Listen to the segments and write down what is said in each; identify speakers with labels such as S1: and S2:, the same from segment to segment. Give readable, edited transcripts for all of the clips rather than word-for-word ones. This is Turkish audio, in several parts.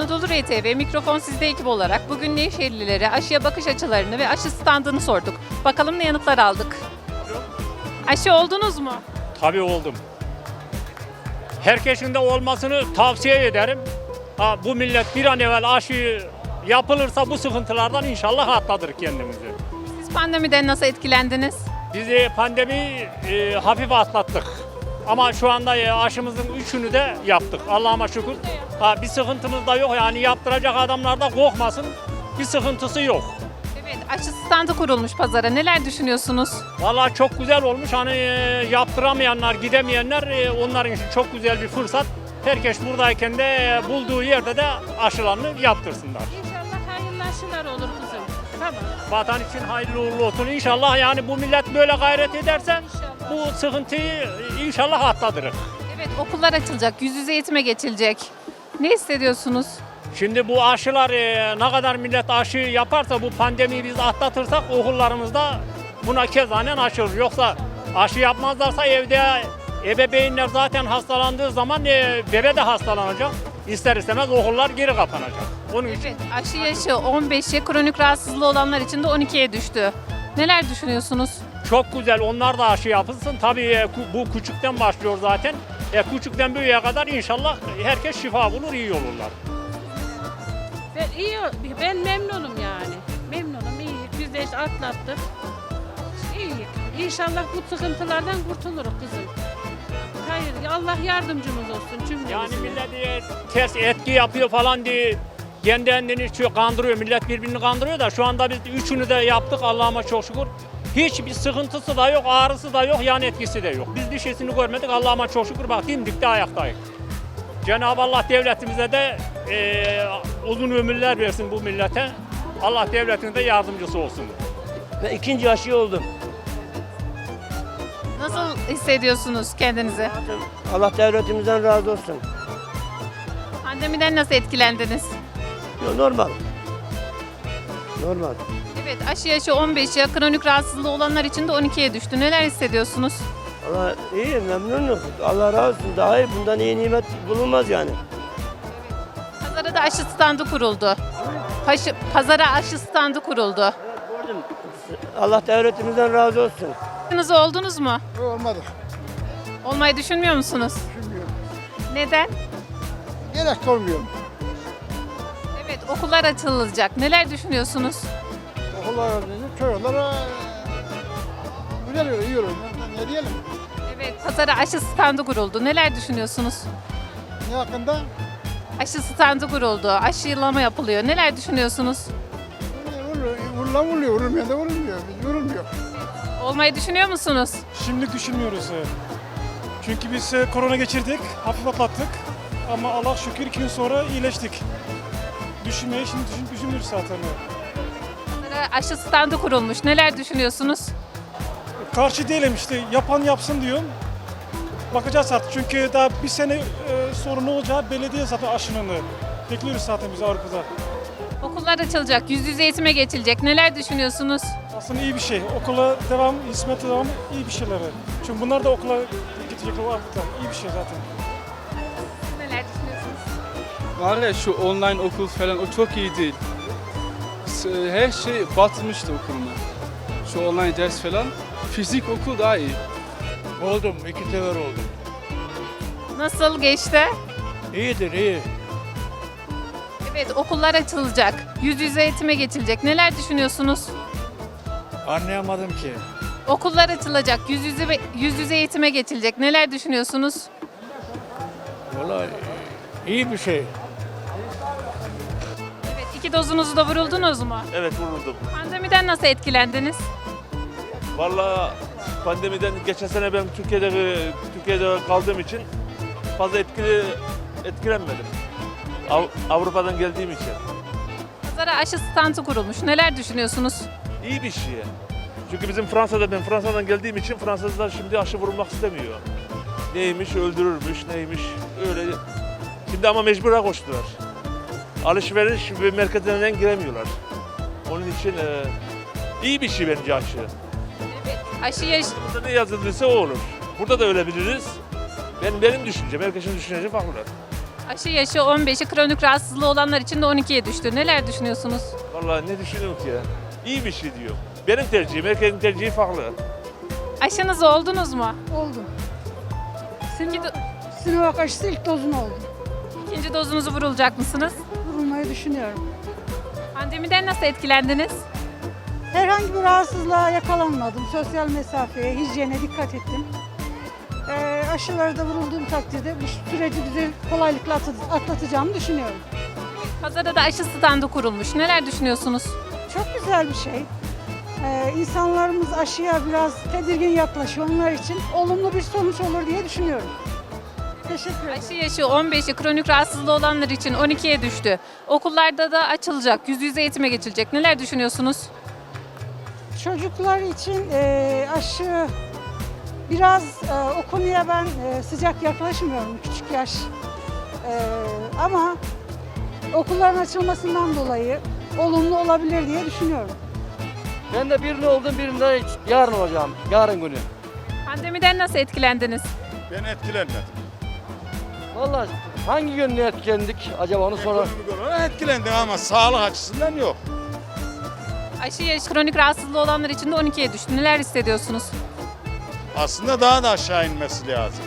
S1: Anadolu RTV mikrofon sizde ekip olarak bugün Nevşehirlilere aşıya bakış açılarını ve aşı standını sorduk. Bakalım ne yanıtlar aldık. Aşı oldunuz mu?
S2: Tabii oldum. Herkesin de olmasını tavsiye ederim. Bu millet bir an evvel aşı yapılırsa bu sıkıntılardan inşallah atlatır kendimizi.
S1: Siz pandemiden nasıl etkilendiniz?
S2: Biz pandemiyi hafif atlattık. Ama şu anda aşımızın üçünü de yaptık. Allah'ıma şükür. Bir sıkıntımız da yok. Yani yaptıracak adamlar da korkmasın. Bir sıkıntısı yok.
S1: Evet, aşı standı kurulmuş pazara. Neler düşünüyorsunuz?
S2: Vallahi çok güzel olmuş. Hani yaptıramayanlar, gidemeyenler onlar için çok güzel bir fırsat. Herkes buradayken de bulduğu yerde de aşılarını yaptırsınlar.
S3: İnşallah hayırlı aşılar olur kızım. Tamam.
S2: Vatan için hayırlı uğurlu olsun. İnşallah yani bu millet böyle gayret ederse
S3: İnşallah.
S2: bu sıkıntıyı inşallah atlatırız.
S1: Evet, okullar açılacak, yüz yüze eğitime geçilecek. Ne hissediyorsunuz?
S2: Şimdi bu aşılar ne kadar millet aşı yaparsa bu pandemiyi biz atlatırsak okullarımızda buna kezanen aşılır. Yoksa aşı yapmazlarsa evde ebeveynler zaten hastalandığı zaman bebe de hastalanacak. İster istemez okullar geri kapanacak. Onun için
S1: Evet, aşı yaşı 15'e, kronik rahatsızlığı olanlar için de 12'ye düştü. Neler düşünüyorsunuz?
S2: çok güzel onlar da aşı yapılsın. Tabii bu küçükten başlıyor zaten. Küçükten büyüğe kadar inşallah herkes şifa bulur, iyi olurlar.
S3: Ben memnunum yani. Memnunum, iyi. Biz de işte atlattık. İyi. İnşallah bu sıkıntılardan kurtuluruz kızım. Hayır, Allah yardımcımız olsun cümlemize.
S2: Yani millet ters etki yapıyor falan diye kendi kendini kandırıyor. Millet birbirini kandırıyor da şu anda biz üçünü de yaptık Allah'ıma çok şükür. Hiçbir sıkıntısı da yok, ağrısı da yok, yan etkisi de yok. Biz bir şeysini görmedik Allah'ıma çok şükür. Bak dimdik de ayaktayız. Cenab-ı Allah devletimize de uzun ömürler versin bu millete. Allah devletine de yardımcısı olsun.
S4: Ve ikinci aşı oldum.
S1: Nasıl hissediyorsunuz kendinizi?
S4: Allah devletimizden razı olsun.
S1: Pandemiden nasıl etkilendiniz?
S4: Normal. Normal.
S1: Evet, aşı yaşı 15'e, kronik rahatsızlığı olanlar için de 12'ye düştü. Neler hissediyorsunuz?
S4: Allah iyi, memnunum. Allah razı olsun. Daha iyi, bundan iyi nimet bulunmaz yani.
S1: Pazara da aşı standı kuruldu. Pazara aşı standı kuruldu.
S4: Gördüm. Allah devletimizden razı olsun.
S1: Aşınız oldunuz mu?
S5: Olmadı.
S1: Olmayı düşünmüyor musunuz?
S5: Düşünmüyorum.
S1: Neden?
S5: Gerek olmuyor.
S1: Evet, okullar açılacak. Neler düşünüyorsunuz?
S5: Okullar çocuklara güzel olur, iyi olur. Ne diyelim?
S1: Evet, pazara aşı standı kuruldu. Neler düşünüyorsunuz?
S5: Ne hakkında?
S1: Aşı standı kuruldu. Aşılama yapılıyor. Neler düşünüyorsunuz?
S5: Vuruluyor, vurulmuyor da vurulmuyor. Biz vurulmuyor.
S1: Olmayı düşünüyor musunuz?
S6: Şimdi düşünmüyoruz. Çünkü biz korona geçirdik, hafif atlattık. Ama Allah şükür 2 gün sonra iyileştik. Düşünmeyi şimdi düşünmüyoruz zaten.
S1: Pazara aşı standı kurulmuş. Neler düşünüyorsunuz?
S6: Karşı değilim işte, yapan yapsın diyorum. Bakacağız artık çünkü daha bir sene sonra ne olacağı belli değil zaten aşının. Bekliyoruz zaten biz Avrupa'da.
S1: Okullar açılacak. Yüz yüze eğitime geçilecek. Neler düşünüyorsunuz?
S6: Aslında iyi bir şey. Okula devam, hizmete devam iyi bir şeyler. Çünkü bunlar da okula gidecekler Avrupa'da. İyi bir şey zaten.
S1: Neler düşünüyorsunuz?
S7: Var ya şu online okul falan o çok iyi değil. Her şey batmıştı okuluma. Şu online ders falan. Fizik okul daha iyi.
S8: Oldum, 2 sefer oldum.
S1: Nasıl geçti?
S8: İyidir, iyi.
S1: Evet, okullar açılacak. Yüz yüze eğitime geçilecek. Neler düşünüyorsunuz?
S8: Anlayamadım ki.
S1: Okullar açılacak. Yüz yüze eğitime geçilecek. Neler düşünüyorsunuz?
S8: Vallahi iyi bir şey.
S1: Evet, 2 dozunuzu da vuruldunuz mu?
S9: Evet vuruldum.
S1: Pandemiden nasıl etkilendiniz?
S9: Vallahi pandemiden geçen sene ben Türkiye'de kaldığım için fazla etkilenmedim. Avrupa'dan geldiğim için.
S1: Pazara aşı standı kurulmuş. Neler düşünüyorsunuz?
S9: İyi bir şey. Çünkü ben Fransa'dan geldiğim için Fransızlar şimdi aşı vurulmak istemiyor. Neymiş öldürürmüş, neymiş öyle. Şimdi ama mecbura koştular. Alışveriş ve merkezlerinden giremiyorlar. Onun için iyi bir şey bence aşı.
S1: Evet, aşı yaşı...
S9: Burada ne yazıldıysa o olur. Burada da öyle biliriz. Benim düşüncem, herkesin düşüncesi farklı.
S1: Aşı yaşı 15'i, kronik rahatsızlığı olanlar için de 12'ye düştü. Neler düşünüyorsunuz?
S9: Vallahi ne düşünüyorum ki ya? İyi bir şey diyor. Benim tercihim, herkesin tercihi farklı.
S1: Aşınızı oldunuz mu?
S10: Oldum.
S1: İkinci,
S10: Sinovac aşısı ilk dozunu oldum.
S1: ikinci dozunuzu vurulacak mısınız?
S10: Vurulmayı düşünüyorum.
S1: Pandemiden nasıl etkilendiniz?
S10: Herhangi bir rahatsızlığa yakalanmadım. Sosyal mesafeye, hijyene dikkat ettim. Aşıları da vurulduğum takdirde bu süreci bize kolaylıkla atlatacağımı düşünüyorum.
S1: Pazarda da aşı standı kurulmuş. Neler düşünüyorsunuz?
S10: Çok güzel bir şey. İnsanlarımız aşıya biraz tedirgin yaklaşıyor. Onlar için olumlu bir sonuç olur diye düşünüyorum. Teşekkür ederim.
S1: Aşı yaşı 15'i, kronik rahatsızlığı olanlar için 12'ye düştü. Okullarda da açılacak, yüz yüze eğitime geçilecek. Neler düşünüyorsunuz?
S10: Çocuklar için aşı biraz o konuya ben sıcak yaklaşmıyorum, küçük yaş. Ama okulların açılmasından dolayı olumlu olabilir diye düşünüyorum.
S4: Ben de birini oldum, birinde yarın olacağım. Yarın günü.
S1: Pandemiden nasıl etkilendiniz?
S5: Ben etkilenmedim.
S4: Vallahi hangi yönüne etkilendik acaba onu sonra...
S5: Ekonomik olarak etkilendim ama sağlık açısından yok.
S1: Aşı yaşı, kronik rahatsızlığı olanlar için de 12'ye düştü. Neler hissediyorsunuz?
S5: Aslında daha da aşağı inmesi lazım.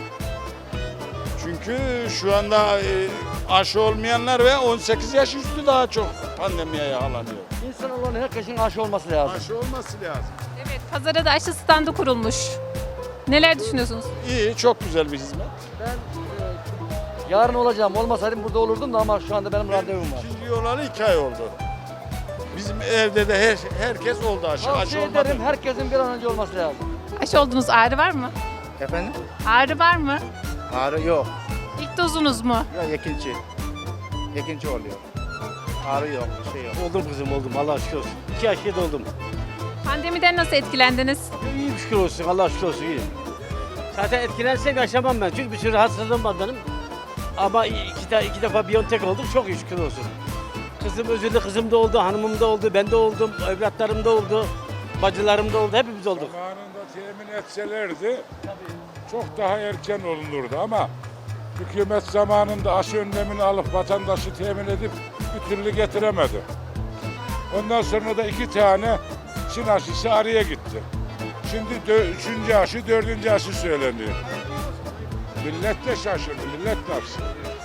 S5: Çünkü şu anda aşı olmayanlar ve 18 yaş üstü daha çok pandemiye yakalanıyor.
S4: İnsan olan herkesin aşı olması lazım.
S5: Aşı olması lazım.
S1: Evet, pazara da aşı standı kurulmuş. Neler düşünüyorsunuz?
S5: İyi, çok güzel bir hizmet.
S4: Ben yarın olacağım. Olmasaydım burada olurdum da ama şu anda benim randevum var.
S5: İkinci olalı 2 ay oldu. Bizim evde de herkes oldu aşı. Aşı
S4: Tavsiye
S5: olmadı.
S4: ederim herkesin bir an önce olması lazım.
S1: Aşı oldunuz, ağrı var mı?
S5: Efendim?
S1: Ağrı var mı?
S5: Ağrı yok.
S1: İlk dozunuz mu?
S5: Ya ikinci. İkinci oluyor. Ağrı yok, bir şey yok.
S8: Oldum kızım oldum Allah şükür olsun. 2 yaşında oldum.
S1: Pandemiden nasıl etkilendiniz?
S8: İyi şükür olsun Allah şükür olsun iyi. Zaten etkilersek yaşamam ben çünkü bir sürü hastalığım var benim. Ama iki defa Biontech oldum çok iyi şükür olsun. Kızım özürlü kızım da oldu, hanımım da oldu, ben de oldum, evlatlarım da oldu, bacılarım da oldu, hepimiz olduk.
S11: Zamanında temin etselerdi çok daha erken olunurdu ama hükümet zamanında aşı önlemini alıp vatandaşı temin edip bir türlü getiremedi. Ondan sonra da 2 tane Çin aşısı araya gitti. Şimdi 3. aşı, 4. aşı söyleniyor. Millet de şaşırdı, millet ne yapsın?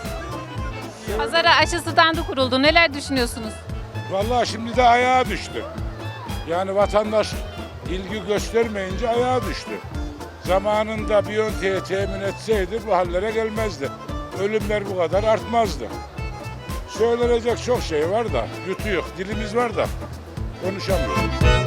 S1: Pazara aşı standı kuruldu. Neler düşünüyorsunuz?
S11: Vallahi şimdi de ayağa düştü. Yani vatandaş ilgi göstermeyince ayağa düştü. Zamanında Biontech'e temin etseydi bu hallere gelmezdi. Ölümler bu kadar artmazdı. Söylenecek çok şey var da yutuyor. Dilimiz var da konuşamıyoruz.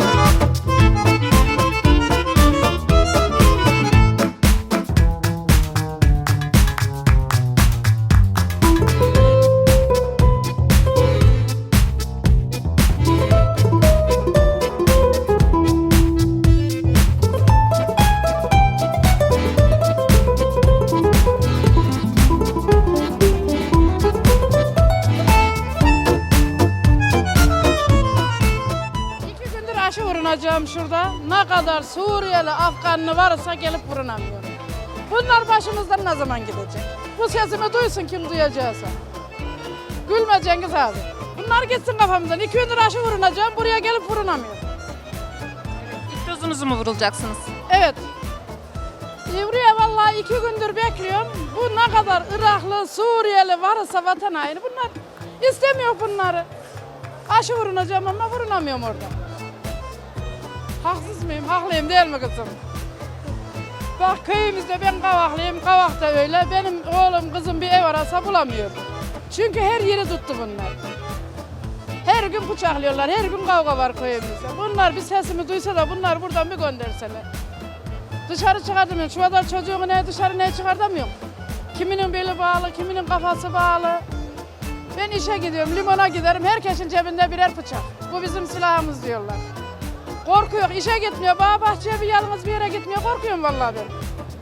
S3: Aşı vurunacağım şurada. Ne kadar Suriyeli, Afganlı varsa gelip vurunamıyor. Bunlar başımızdan ne zaman gidecek? Bu sesimi duysun kim duyacaksa. Gülme Cengiz abi. Bunlar gitsin kafamızdan. 2 gündür aşı vurunacağım, buraya gelip vurunamıyor.
S1: İlk dozunuzu mu vurulacaksınız?
S3: Evet. Buraya vallahi 2 gündür bekliyorum. Bu ne kadar Iraklı, Suriyeli varsa vatan haini. Bunlar istemiyor bunları. Aşı vurunacağım ama vurunamıyorum orada. Haksız mıyım? Haklıyım değil mi kızım? Bak köyümüzde ben Kavaklıyım, Kavak'ta öyle. Benim oğlum kızım bir ev arasa bulamıyor. Çünkü her yeri tuttu bunlar. Her gün bıçaklıyorlar, her gün kavga var köyümüzde. Bunlar bir sesimi duysa da bunlar buradan bir gönderseler. Dışarı çıkartamıyorum. Şu kadar çocuğumu ne dışarı ne çıkartamıyorum. Kiminin beli bağlı, kiminin kafası bağlı. Ben işe gidiyorum, limona giderim. Herkesin cebinde birer bıçak. Bu bizim silahımız diyorlar. Korkuyor, işe gitmiyor. Bağ bahçeye bir yalnız bir yere gitmiyor. Korkuyorum vallahi ben.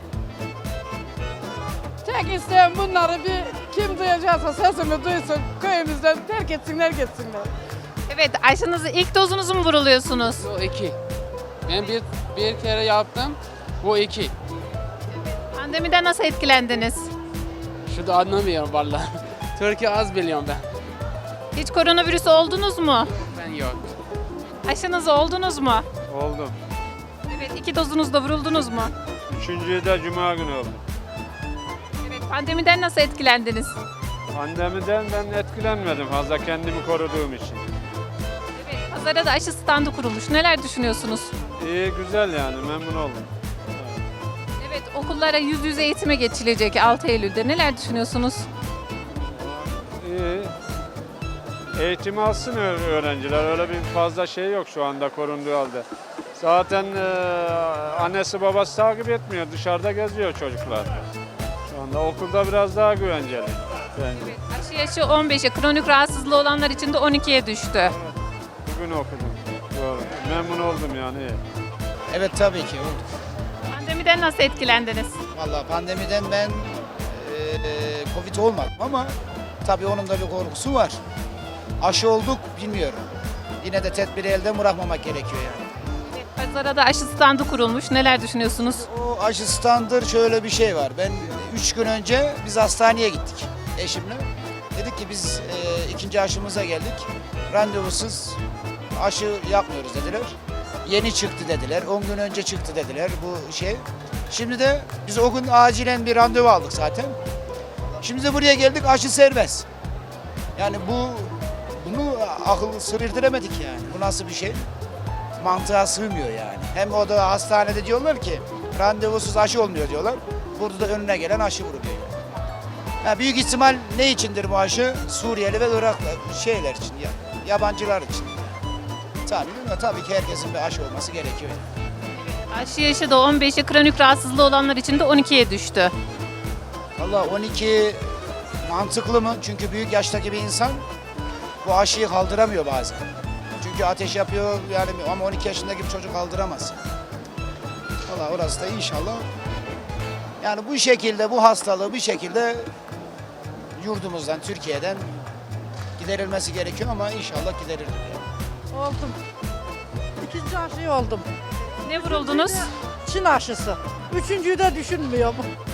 S3: Tek isteğim bunları bir kim duyacaksa sesimi duysun. Köyümüzden terk etsinler gitsinler.
S1: Evet, aşınızı ilk dozunuzu mu vuruluyorsunuz?
S12: Bu 2. Ben bir kere yaptım. Bu 2.
S1: Pandemiden nasıl etkilendiniz?
S12: Şu da anlamıyorum vallahi. Türkiye az biliyorum ben.
S1: Hiç koronavirüs oldunuz mu?
S12: Ben yok.
S1: Aşınız oldunuz mu?
S7: Oldum.
S1: Evet, 2 dozunuzda vuruldunuz mu?
S7: Üçüncüyü de cuma günü oldu.
S1: Evet, pandemiden nasıl etkilendiniz?
S7: Pandemiden ben etkilenmedim fazla kendimi koruduğum için.
S1: Evet, pazara da aşı standı kurulmuş. Neler düşünüyorsunuz?
S7: İyi, güzel yani, memnun oldum.
S1: Evet, okullara yüz yüze eğitime geçilecek 6 Eylül'de. Neler düşünüyorsunuz?
S7: İyi. Eğitim alsın öğrenciler. Öyle bir fazla şey yok şu anda korunduğu halde. Zaten annesi babası takip etmiyor. Dışarıda geziyor çocuklar. Şu anda okulda biraz daha güvenceli. Bence.
S1: Aşı yaşı 15'e, kronik rahatsızlığı olanlar için de 12'ye düştü.
S7: Bugün okudum. Doğru. Memnun oldum yani. İyi.
S13: Evet tabii ki oldu.
S1: Pandemiden nasıl etkilendiniz?
S13: Vallahi pandemiden ben Covid olmadım ama tabii onun da bir korkusu var. Aşı olduk bilmiyorum. Yine de tedbiri elden bırakmamak gerekiyor yani.
S1: Pazara da aşı standı kurulmuş. Neler düşünüyorsunuz?
S13: O aşı standır şöyle bir şey var. Ben 3 gün önce biz hastaneye gittik eşimle. Dedik ki biz ikinci aşımıza geldik. Randevusuz aşı yapmıyoruz dediler. Yeni çıktı dediler. 10 gün önce çıktı dediler bu şey. Şimdi de biz o gün acilen bir randevu aldık zaten. Şimdi de buraya geldik, aşı serbest. Yani bunu akıl sır erdiremedik yani. Bu nasıl bir şey? Mantığa sığmıyor yani. Hem o da hastanede diyorlar ki randevusuz aşı olmuyor diyorlar. Burada da önüne gelen aşı vuruluyor yani. Ha, büyük ihtimal ne içindir bu aşı? Suriyeli ve Iraklı şeyler için, yabancılar için. Tabii ki herkesin bir aşı olması gerekiyor yani.
S1: Aşı yaşı da 15'e, kronik rahatsızlığı olanlar için de 12'ye düştü.
S13: Valla 12 mantıklı mı? Çünkü büyük yaştaki bir insan bu aşıyı kaldıramıyor bazen. Çünkü ateş yapıyor yani ama 12 yaşındaki bir çocuk kaldıramaz. Valla orası da inşallah yani bu şekilde bu hastalığı bir şekilde yurdumuzdan, Türkiye'den giderilmesi gerekiyor ama inşallah giderilir.
S10: Oldum. İkinci aşıyı oldum.
S1: Ne vuruldunuz?
S10: Çin aşısı. Üçüncüyü de düşünmüyorum.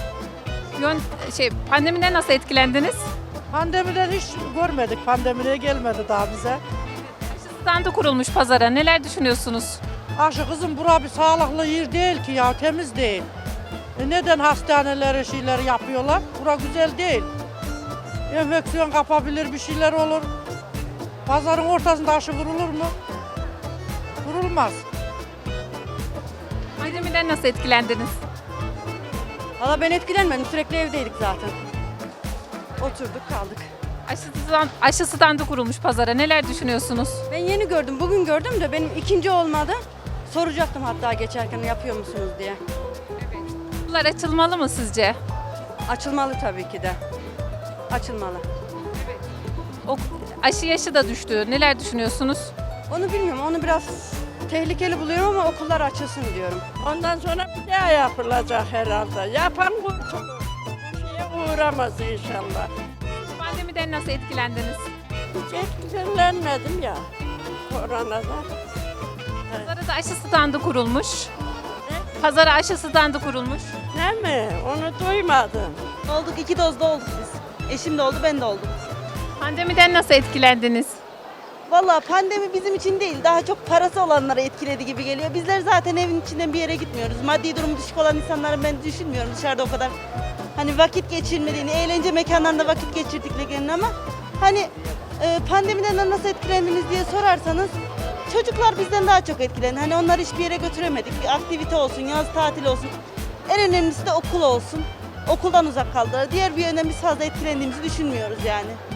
S1: Pandemiden nasıl etkilendiniz?
S10: Pandemiden hiç görmedik. Pandemiye gelmedi daha bize.
S1: Aşı standı kurulmuş pazara. Neler düşünüyorsunuz?
S10: Aşı kızım bura bir sağlıklı yer değil ki ya, temiz değil. Neden hastanelere şeyler yapıyorlar? Bura güzel değil. Enfeksiyon kapabilir, bir şeyler olur. Pazarın ortasında aşı vurulur mu? Vurulmaz.
S1: Pandemiden nasıl etkilendiniz?
S10: Valla ben etkilenmedim. Sürekli evdeydik zaten. Oturduk kaldık.
S1: Aşı standı kurulmuş pazara. Neler düşünüyorsunuz?
S10: Ben yeni gördüm. Bugün gördüm de benim ikinci olmadı. Soracaktım hatta geçerken yapıyor musunuz diye.
S1: Okullar açılmalı mı sizce?
S10: Açılmalı tabii ki de. Açılmalı.
S1: Aşı yaşı da düştü. Neler düşünüyorsunuz?
S10: Onu bilmiyorum. Onu biraz tehlikeli buluyorum ama okullar açılsın diyorum.
S3: Ondan sonra bir daha yapılacak herhalde. Yapan kurtulur. Bu şeye uğramaz inşallah.
S1: Pandemiden nasıl etkilendiniz?
S3: Hiç etkilenmedim ya koronadan.
S1: Pazara da aşı standı kurulmuş. Pazara aşı standı kurulmuş.
S3: Ne mi? Onu duymadım.
S10: Olduk. 2 dozda olduk biz. Eşim de oldu, ben de oldum.
S1: Pandemiden nasıl etkilendiniz?
S10: Vallahi pandemi bizim için değil, daha çok parası olanlara etkiledi gibi geliyor. Bizler zaten evin içinden bir yere gitmiyoruz. Maddi durumu düşük olan insanların ben düşünmüyorum dışarıda o kadar hani vakit geçirmediğini, eğlence mekanlarında vakit geçirdiklerini ama hani pandemiden nasıl etkilendiniz diye sorarsanız çocuklar bizden daha çok etkilendi. Hani onları hiçbir yere götüremedik. Bir aktivite olsun, yaz tatili olsun. En önemlisi de okul olsun. Okuldan uzak kaldılar. Diğer bir yönden biz fazla etkilendiğimizi düşünmüyoruz yani.